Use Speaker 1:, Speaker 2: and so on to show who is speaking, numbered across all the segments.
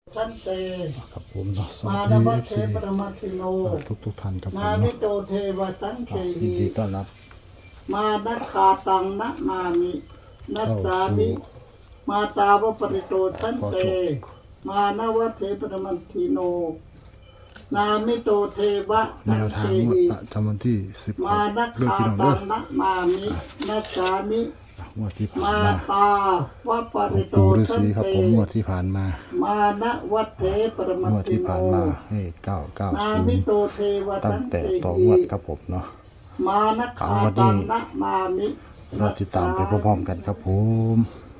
Speaker 1: สันเต
Speaker 2: ครับผมเนาะสวั
Speaker 1: มา
Speaker 2: ส
Speaker 1: น
Speaker 2: ดี
Speaker 1: วัต
Speaker 2: เอฟ
Speaker 1: เท
Speaker 2: ซี
Speaker 1: ปรมัตถิโน
Speaker 2: ทุกท่านครับผม
Speaker 1: นามิ
Speaker 2: เนาะ
Speaker 1: โตเทวสังเค
Speaker 2: ยิน
Speaker 1: หิ
Speaker 2: ดีต้อนรับ
Speaker 1: มานัคาตังนะมามินัสสามิมาตาวปริโตสันเตมานวัตเทปรมัตถิโนนามิโตเทวะ
Speaker 2: แน
Speaker 1: สัง
Speaker 2: ว
Speaker 1: เค
Speaker 2: ทางงวด
Speaker 1: หิ
Speaker 2: ประจำวันที่16
Speaker 1: มานั
Speaker 2: เดือน
Speaker 1: คา
Speaker 2: พี่น้อง
Speaker 1: ตั
Speaker 2: เด้อง
Speaker 1: นะมามินัสสามิ
Speaker 2: งวดที่ผ่าน
Speaker 1: มา
Speaker 2: มา
Speaker 1: ตาวปริโต
Speaker 2: ปู่ฤา
Speaker 1: สั
Speaker 2: ษี
Speaker 1: น
Speaker 2: ครับ
Speaker 1: เต
Speaker 2: ผมงวดที่ผ่านมา
Speaker 1: มานะวัตเทปรมั
Speaker 2: ง
Speaker 1: ต
Speaker 2: วด
Speaker 1: ถิ
Speaker 2: ที่
Speaker 1: โน
Speaker 2: ผ่านมาให้
Speaker 1: นามิโต
Speaker 2: 990
Speaker 1: เทวะ
Speaker 2: ตั้
Speaker 1: สั
Speaker 2: ง
Speaker 1: ง
Speaker 2: แต่
Speaker 1: เค
Speaker 2: ต่อ
Speaker 1: หิ
Speaker 2: งวดครับผมเนาะ
Speaker 1: มานะคา
Speaker 2: เอาวันนี้
Speaker 1: ตังนะมามิ
Speaker 2: เราติดตามไปพร้อมๆกันครับผม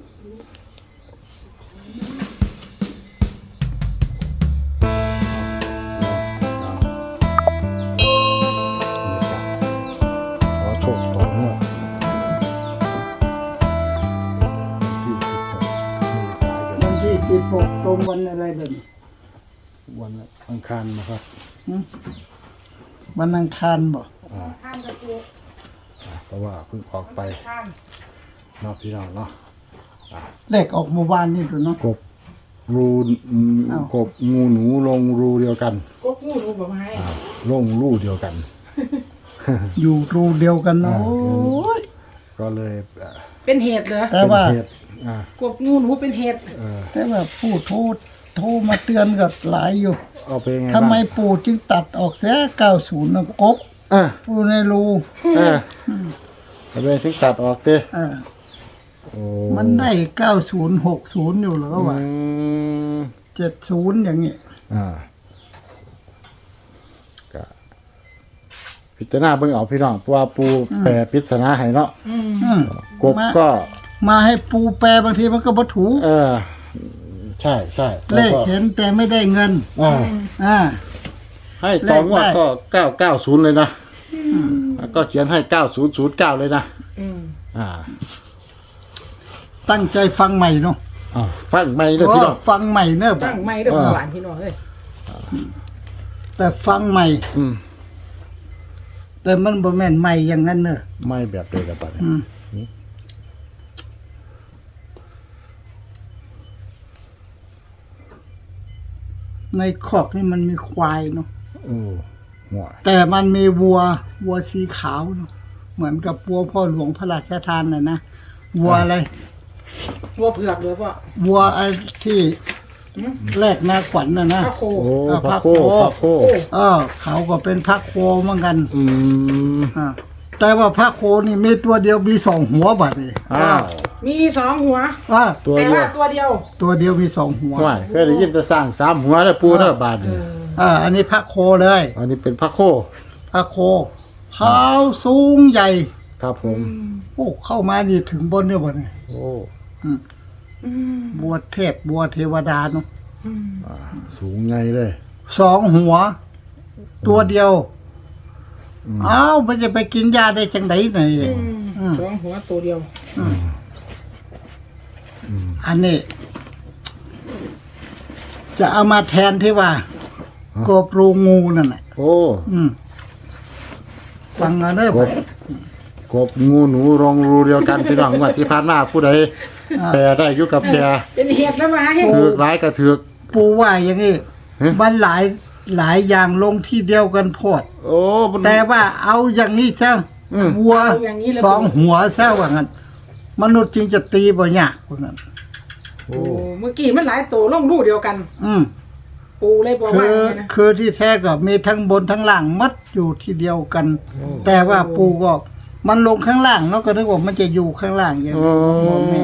Speaker 2: ขอโชคต่องวดที่16เมษายน
Speaker 1: วันที่16ตรงวันอะไรเด่น
Speaker 2: วันอังคารนะครับ
Speaker 1: วันอังคารบ่
Speaker 2: เพราะว่าเพิ่งออกไปเนาะพี่น้องเนาะ
Speaker 1: เลขออกเมื่อวานนี่ดูเนาะ
Speaker 2: กบรูกบงูหนูลงรูเดียวกัน
Speaker 3: ก็กู้รู้แบบไง
Speaker 2: ลงรูเดียวกัน
Speaker 1: อยู่รูเดียวกันเนาะ
Speaker 2: อ่า
Speaker 1: โอ้ย
Speaker 2: ก็เลย
Speaker 3: เป็นเหตุเหรอ
Speaker 1: แต่ว่า
Speaker 2: เป็นเหตุอ่าก
Speaker 3: บงูหนูเป็นเหตุ
Speaker 1: แต่ว่าผู้โทรมาเตือนกับหลายอยู่
Speaker 2: เอาไปไง
Speaker 1: ทำไม
Speaker 2: บ้าง
Speaker 1: ปู่จึงตัดออกเสีย90นะกบ
Speaker 2: อ่ะ
Speaker 1: ปูในรู
Speaker 2: เอาไปถึงตัดออกเต้
Speaker 1: เออ
Speaker 2: โอ้
Speaker 1: มันได้9060อยู่แล้วว่า
Speaker 2: อืม
Speaker 1: 70อย่างงี้
Speaker 2: ก็พิจารณาเบิ่งเอาพี่น้องเพราะว่าปูแปรปริศนาให้เนาะ
Speaker 1: อืม
Speaker 2: กบก็
Speaker 1: มาให้ปูแปลบางทีมันก็บ่ถูก
Speaker 2: ใช่ใช่
Speaker 1: เล
Speaker 2: แล้ว
Speaker 1: ข
Speaker 2: ก็
Speaker 1: เห็นแต่ไม่ได้เงิน
Speaker 2: อ่า
Speaker 1: อ่า
Speaker 2: ให้ต่องวด
Speaker 1: เลขได้
Speaker 2: ก็990เลยนะแล้วก็เขียนให้9009เลยนะ
Speaker 3: อืม
Speaker 2: อ่า
Speaker 1: ตั้งใจฟังใหม่เนาะ
Speaker 2: ฟังไม่เลยพี่น้อง
Speaker 1: ฟังใหม่เนอะ
Speaker 3: ตั้งไม่ได้หวานพี่น้องเลย
Speaker 1: แต่ฟังใหม่
Speaker 2: อืม
Speaker 1: แต่มันบ่แม่นใหม่อย่างนั้นเนอะ
Speaker 2: ไม่แบบเดียวกันปะเนี่ย
Speaker 1: อืมในคอกนี่มันมีควายเนาะ
Speaker 2: โอ้หัว
Speaker 1: แต่มันมีวัวสีขาวเนาะเหมือนกับวัวพ่อหลวงพระราชทานน่ะนะวัวอะไร
Speaker 3: วัวเผือกเลยพ่อ
Speaker 1: วัวไอ้ที่แรกนาขวัญน่ะนะ
Speaker 3: พระโค
Speaker 2: โอ้
Speaker 1: พ
Speaker 2: พ
Speaker 1: ระ
Speaker 2: ระ
Speaker 1: โค
Speaker 2: โคพระโค
Speaker 1: เขาก็เป็นพระโคเหมือนกัน
Speaker 2: อืม
Speaker 1: อ่าแต่ว่าพระโคนี่มีตัวเดียวมี2 หัวบัดนี้
Speaker 2: อ้าว
Speaker 3: มี2 หัว
Speaker 1: อ่า
Speaker 2: ตัว
Speaker 3: แต่
Speaker 2: เดีย
Speaker 3: ว่าว ตัวเดียว
Speaker 1: ตัวเดียวมี2 หัว
Speaker 2: ไม่เคยได้ยินแต่สร้าง3หัวแล้วปูเด้อบาดนี่
Speaker 1: อันนี้พระโคเลย
Speaker 2: อันนี้เป็นพระโค
Speaker 1: พระโคขาวสูงใหญ่
Speaker 2: ครับผม
Speaker 1: โอ้เข้ามานี่ถึงบนเนี่ยบ่เนี่ย
Speaker 2: โอ้
Speaker 1: บัวเทพบัวเทวดาเนาะ
Speaker 2: สูงไงเลย
Speaker 1: 2 หัว ตัวเดียวอ้าวมันจะไปกินยาได้จังไดไหน
Speaker 3: 2 หัวตัวเดียว
Speaker 1: อันนี้ จะเอามาแทนที่ว่ากบรูงูนั่นน่ะ
Speaker 2: โอ้
Speaker 1: ฟังเอาเด้อก
Speaker 2: บกบงูหนูลงรูเดียวกันพี่น้องงว่าที่ผ่านมาผู้ใดแปรได้อยู่กับแปร
Speaker 3: เป็นเหตุแล้วมาให้
Speaker 2: ถือกหลายก็ถือก
Speaker 1: ปูว่าอย่างนี้
Speaker 2: ฮะ
Speaker 1: มันหลายอย่างลงที่เดียวกันโพด
Speaker 2: โอ้มัน
Speaker 1: แต่ว่าเอาอย่างนี้ซะ วัว
Speaker 3: เอาอย่างนี้เลย
Speaker 1: 2 หัวซะว่างั้นมนุษย์จึงจะตีบ่ยากว่างั้น
Speaker 2: โอ้
Speaker 3: โอ้เมื่อกี้มันหลายตัวลงรูเดียวกัน
Speaker 1: อืม
Speaker 3: ปูเลยบอก
Speaker 1: คื
Speaker 3: ว่า
Speaker 1: อ
Speaker 3: อย่างนี้นะ
Speaker 1: คือที่แท้ก็มีทั้งบนทั้งล่างมัดอยู่ที่เดียวกัน แต่ว่าปูก็มันลงข้างล่างเนาะก็นึกว่ามันจะอยู่ข้างล่างอย่าง
Speaker 2: โอ้
Speaker 1: นี้บ่แม่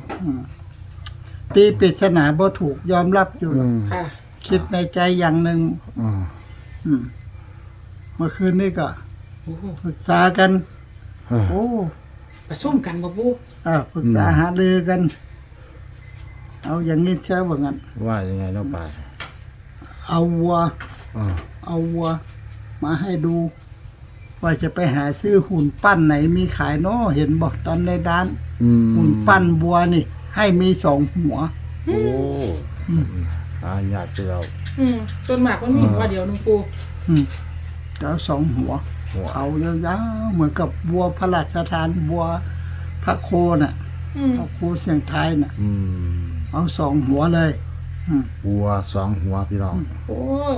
Speaker 1: ตีปริศนาบ่ถูกยอมรับอยู่
Speaker 2: อืม
Speaker 3: ค่ะ
Speaker 1: คิดในใจอย่างหนึ่ง
Speaker 2: อืม
Speaker 1: อืมเมื่อคืนนี้ก็
Speaker 3: โอ้โห
Speaker 1: ปรึกษากัน โอ้
Speaker 3: ประซุ่มกันบ่ปู
Speaker 1: ปรึกษาหารือกัน เอาอย่างนี้เสียว่างั้น
Speaker 2: ว่ายังไงเนาะป่า
Speaker 1: เอาวัว
Speaker 2: อ่า
Speaker 1: เอาวัว มาให้ดู ว่าจะไปหาซื้อหุ่นปั้นไหนมีขายเนาะเห็นบอกตอนในด้าน
Speaker 2: อืม
Speaker 1: หุ่นปั้นวัวนี่ ให้มี2 หัว
Speaker 2: โอ้ญาติเรา
Speaker 3: ส่วนมากมันมีหัวเดียวนึงปู
Speaker 1: อืมแล้ว2 หัว
Speaker 2: หัว
Speaker 1: เขายาวๆเหมือนกับวัวพระราชทานวัวพระโคน่ะพระโคเสียงไทายน่ะ
Speaker 2: อืม
Speaker 1: เอา2 หัวเลย
Speaker 2: วัวสองหัวพี่น้อง
Speaker 3: โอ้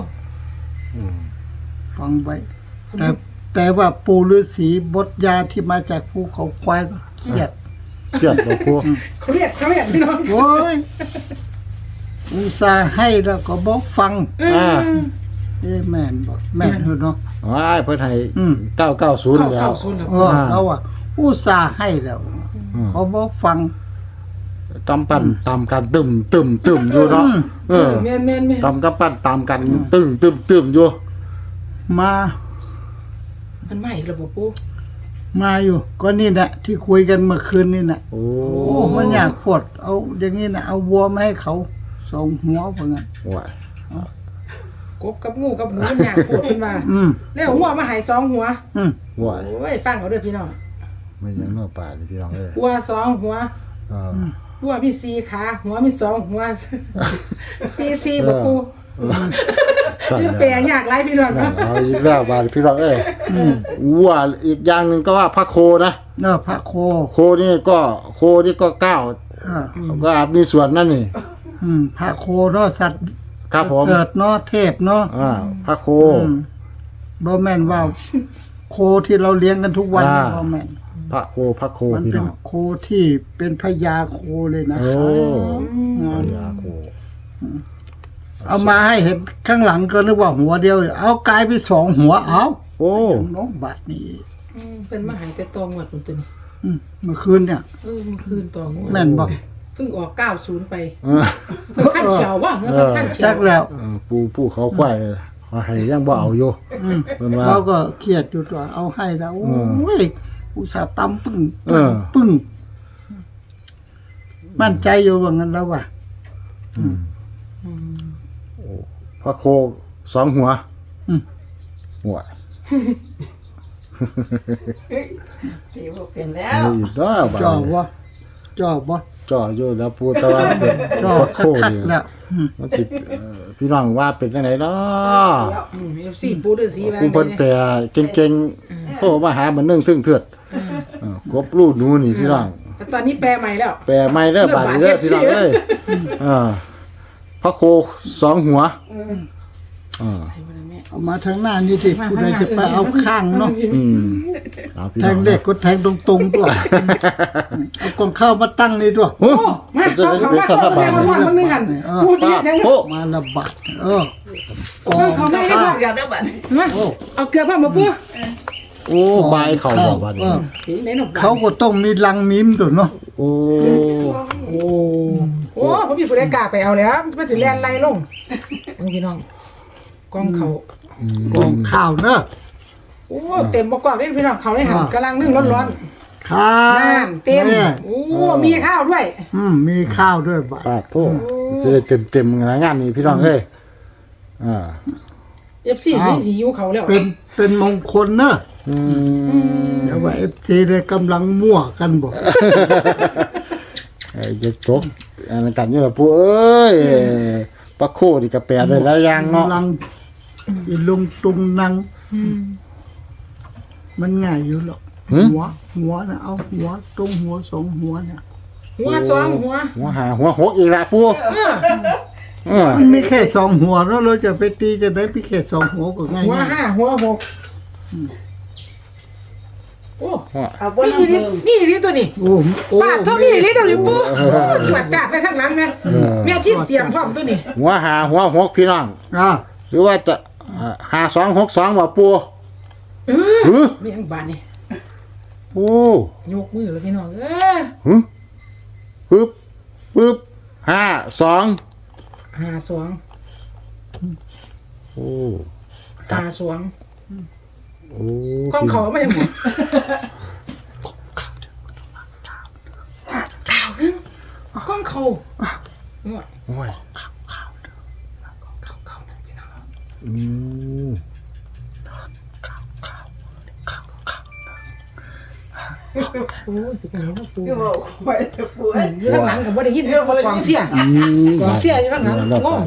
Speaker 1: ฟังไว้แต่ว่าปู่ฤาษีบทยาที่มาจากภูเขาควายเครียด
Speaker 2: เครียดบ่ปู
Speaker 3: เขาเรียกพี่น้อง
Speaker 1: โอ้ยอุตส่าห์ให้แล้วก็บอกฟัง
Speaker 2: อ่า
Speaker 1: แม่นบอกแม่นอยู่เนาะ
Speaker 2: ว้ายเพิ่นให้ 990แล้ว
Speaker 3: 990แล้ว
Speaker 1: เราอ่ะอุตส่าห์ให้แล้วเขาบอกฟัง
Speaker 2: ตำปั่นตามกันตึมอยู่เนาะเออ
Speaker 3: แม่น
Speaker 2: ตำกับปั่นตามกันตึมอยู่
Speaker 1: มา
Speaker 3: มันใหม่ระบบปู
Speaker 1: มาอยู่ ก็นี่แหละที่คุยกันเมื่อคืนนี่นะ
Speaker 2: โอ้
Speaker 1: โอ้มันอยากปวดเอาอย่างนี้นะเอาวัวมาให้เขาสองหัวเพื่อน
Speaker 2: ว้าย
Speaker 3: กบกับงูกับหนูมันอยากปวดขึ้นมา แล้วหัวมาหาย2หัว
Speaker 2: ว้าย
Speaker 3: โอ้ยฟังเอาเด้อพี่น้อง
Speaker 2: ไม่ยังเนาะป่านี่พี่น้องเอ้ย
Speaker 3: หัว2หัว
Speaker 2: เออ
Speaker 3: หัวมี4ขาหัวมี2หัว4บ่ปู
Speaker 2: สั่น
Speaker 3: คือ
Speaker 2: แล้ว
Speaker 3: แปลยากหลายพี่น้อง
Speaker 2: นั่
Speaker 3: เนาะ
Speaker 2: นเอาอีกแล้วบาดพี่น้องเอ้ยวัวอีกอย่างหนึงก็ว่าพระโคนะ
Speaker 1: เนาะพระโค
Speaker 2: โคนี่ก็9 ก็อาจมีส่วนนั่นนี่
Speaker 1: พระโคเนาะสัตว์
Speaker 2: ครับผม
Speaker 1: เกิดเนาะเทพเนาะ
Speaker 2: พระโค
Speaker 1: บ่แม่นว่า โคที่เราเลี้ยงกันทุกวันบ่แม่น
Speaker 2: พระโค
Speaker 1: มัน
Speaker 2: พี่
Speaker 1: เป็น
Speaker 2: น้อง
Speaker 1: โคที่เป็นพญาโคเลยนะ
Speaker 2: โอ้
Speaker 1: ครับ
Speaker 2: พญาโค
Speaker 1: เอามาให้เห็นข้างหลังก็นึกว่าหัวเดียว เอากลายไปสองหัวเอา
Speaker 2: โอ้
Speaker 1: น้องบัดนี่
Speaker 3: เป็นมาหายแต่ตองวดพุ่นตัวนี้
Speaker 1: เมื่อคืนเนี่ย
Speaker 3: เมื่อคืนตองวด
Speaker 1: แม่นบอก
Speaker 3: เพิ่งออก90ไป
Speaker 2: เออ
Speaker 3: เพิ่งขั้นเขียวว่ะเพิ่งขั้นเขีย
Speaker 1: จั
Speaker 3: ว
Speaker 1: กแล้ว
Speaker 2: ผู้เขาควายมาให้ยังบ่เอาอยู่เพิ่นว่า
Speaker 1: เราก็เครียดอยู่ตัวเอาให้แล้วโอ้ยอุตส่าห์ตำปึ้ง
Speaker 2: เออ
Speaker 1: ปึ้งมั่นใจอยู่ว่างั้นแล้วว่ะ
Speaker 2: พระโค2หัวหัว
Speaker 3: สิบ่เป็นแล้ว
Speaker 2: อีกเนาะบาด
Speaker 1: จ่อ
Speaker 2: นี้
Speaker 1: บ่จ่อบ่
Speaker 2: จ่ออยู่แล้วปูตะวันเป็น
Speaker 1: จ่อ
Speaker 2: พระโค
Speaker 1: คัก
Speaker 2: นี่
Speaker 1: ๆแล้ว
Speaker 2: มันสิพี่น้องว่าเป็นจังไดเนาะ
Speaker 3: FC ปูฤาษีมา
Speaker 2: ผู้เพิ่นแปลเก่งๆโทรมาหามันนึ่งซึ่งเถือดกบลูกหนูนี่พี่น้อง
Speaker 3: แต่ตอนนี้แปลใหม่แล้ว
Speaker 2: แปลไม่เด้อบาดนี้เด้อพี่น้องเอ้ยพระโค2หัว
Speaker 1: เอามาทางหน้านี่สิผู้ใดจะไปเอาข้างเนาะ
Speaker 2: เอาพี่
Speaker 1: แท
Speaker 2: น้อง
Speaker 1: งเลขก็แทงตรงๆด้วยเอากองข้าวมาตั้งนี่ด้วย
Speaker 2: โอ้
Speaker 3: มา
Speaker 2: จะ
Speaker 3: เขา
Speaker 2: ได้
Speaker 3: เขา
Speaker 2: เป็น
Speaker 3: มา
Speaker 2: สัน
Speaker 3: เขา
Speaker 2: บา
Speaker 3: มา
Speaker 2: ท
Speaker 3: คนนึงหันปูจะยัง
Speaker 2: โอ้
Speaker 1: มาระบาดกอ
Speaker 3: เขา
Speaker 1: ง
Speaker 3: ไม่ได้
Speaker 1: ข้าว
Speaker 3: บอกอย่าได้บัดมาเอาเกลือพ่อมาปู
Speaker 2: โอ้บายเขาบอกว่านี่
Speaker 3: ไหนหน
Speaker 1: เขาก็ต้องมีลังมิมด้วยเนาะ
Speaker 2: โอ้
Speaker 3: โอ้ผมมีผู้ใดกล้าไปเอาแล้วมันจะแล่นไล่ลงพี่น้องกองเขา
Speaker 1: กองข้าวเนอะ
Speaker 3: โอ้เต็มบกอกเลยพี่น้องเขาได้หันกำลังนึ่งร้อน
Speaker 1: ข้า
Speaker 3: ๆ
Speaker 1: ว
Speaker 3: นั่นเต็ม
Speaker 1: นี่
Speaker 3: โอ้มีข้าวด้วย
Speaker 1: มีข้าวด้วยบาด
Speaker 2: ปาดโทษจะได้เต็มๆงานนี้พี่น้องเอ้ย
Speaker 3: FC นี่สิอยู่เขาแล้ว
Speaker 1: เป็นมงคลเนอะเดี๋ยวว่าFC เลยกำลังมั่วกันบ่
Speaker 2: ไอ้เด็กจบอันนั้นกันอยู่ล่ะปู่เอ้ยปลาโคนี่ก็แปลได้หลายอย่างเนาะ
Speaker 1: กำลังอีลุงตุงนัง มันง่ายอยู่หรอกหัวนะเอาหัวตรงหัวสองหัวเนี่ย
Speaker 3: หัวสองหัว
Speaker 2: หัวหาหัวหกอีกละปู่
Speaker 1: มันมีแค่สองหัวแล้วเราจะไปตีจะได้มีแค่สองหัวก็ง่าย
Speaker 3: หัวห้าหัวหกโอ้
Speaker 4: เอาบน
Speaker 3: นี่ตัวนี้
Speaker 1: โอ้โอ้
Speaker 3: ป้าเท่านี้เลยเดี๋ยวนี้ปุ๊บตรวจจัดไปทั้งหลังแม่แม่ที่เตรียมพร้อมตัวนี้
Speaker 2: หัวหาหัวหกพี่น้อง หรือว่าจะ5262บ่ปู่
Speaker 3: มีอังบานนี่
Speaker 2: โอ้
Speaker 3: ยกมือแล้วพี่น้อง
Speaker 2: ปึ๊บ52
Speaker 3: 52
Speaker 2: โอ้
Speaker 3: 52
Speaker 2: โอ้
Speaker 3: กล้องเขาไม่ยังกล้องเขา
Speaker 2: โอ้ย
Speaker 3: เขาพี่น้อง โอ้ยเป็นไงนะปู
Speaker 4: ก็บอกไปป่วย
Speaker 3: อยู่ข้างหลังกับว่าได้ยินกองเสียกองเสียอยู่ข้างหลังงง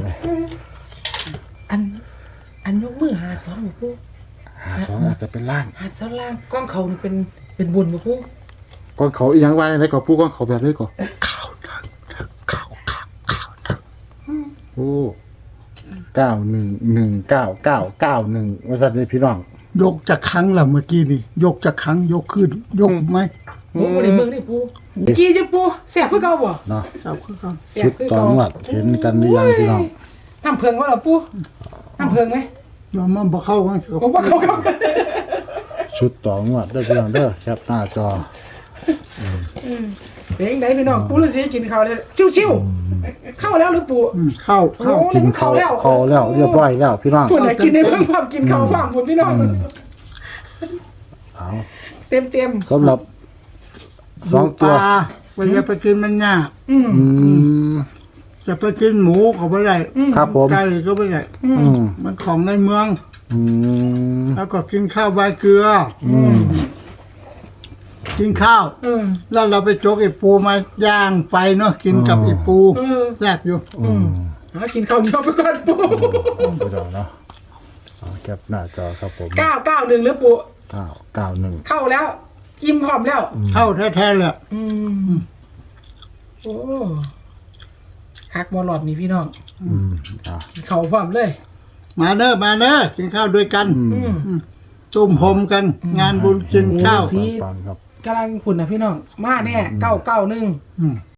Speaker 3: อันยกมือหาสองปู
Speaker 2: 52อาจจะเป็นล่าง
Speaker 3: หาสองล่างกล้องเขานี่เป็นบุญปู
Speaker 2: ก่อนเขาอีหยังไว้ไหนก็ปู่ก่อนเขาแบบเลยก่อน
Speaker 1: เ
Speaker 2: โอ้91199991ว่าซั่นเด้พี่น้อง
Speaker 5: ยกจากครั้งละเมื่อกี้นี่ยกจากครั้งยกขึ้นยกไหม
Speaker 3: โอ้บ่ได้เบิ่งได้ปูกี้จะปูแซ่บคือเก่าบ่
Speaker 2: เนาะ
Speaker 5: เจ้าคือกัน
Speaker 3: แซ่
Speaker 2: ชุ
Speaker 3: บ
Speaker 2: ด
Speaker 3: คือ
Speaker 2: ต่อ
Speaker 3: เก่าง
Speaker 2: วดเห็นกันหรือยังพี่น้อง
Speaker 3: น้ำเพิงว่าล่ะปูน้ำเพิงไหม
Speaker 5: ยอมมันบ่เข้ากันสิครับ
Speaker 3: ผมว่าเขาครับ
Speaker 2: ชุดต่องวดเด้อพี่น้องเด้อแคปหน้าจอ
Speaker 3: เพลงไหนพี่น้องปูฤาษีกินข้าวเลยชิวๆเข้าแล้วหรือปู
Speaker 5: เข้า
Speaker 3: โอ้
Speaker 2: กินข้าวเข้าแล้วเรียบร้อยแล้วพี่น้อง
Speaker 3: ปุ่นน่ะกินในเพิ่งความกินข้าวความปุ่นพี่น้อง
Speaker 2: เอา
Speaker 3: เต็ม
Speaker 2: สำหรับสองตัว
Speaker 5: ปลาเวลาไปกินมันยาก
Speaker 3: อืม
Speaker 2: อืม
Speaker 5: จะไปกินหมูก็ไม่ได้
Speaker 2: ครับผม
Speaker 5: ไก่ก็ไม่ได้
Speaker 2: อืม
Speaker 5: มันของในเมือง
Speaker 2: อืม
Speaker 5: แล้วก็กินข้าวใบเกลือ
Speaker 2: อืม
Speaker 5: กินข้าว แล้วเราไปโจกไอ้ปูมาย่างไฟเนาะกินกับไอ้ปูแซ่บอยู่
Speaker 2: อืม
Speaker 3: กินข้าวเหนียวไปก่อนปู
Speaker 2: พี่น้องเนาะเอาแคปหน้าจอครับผม
Speaker 3: 991หรือปู
Speaker 2: 991
Speaker 3: เข้าแล้ว อิ่มพร้อมแล้ว
Speaker 5: เข้าแท้ๆเลย
Speaker 3: โอ้คักบอลอดนี่พี่น้อง
Speaker 2: อืมอ่ะ
Speaker 3: กินข้าวพร้อมเลย
Speaker 5: มาเด้อกินข้าวด้วยกัน
Speaker 3: อืม
Speaker 5: ตุ้มโฮมกัน งานบุญกินข้าว
Speaker 3: สี
Speaker 2: ฟังครับ
Speaker 3: กำลังขุ่นนะพี่น้อง มาแน่991
Speaker 5: อืม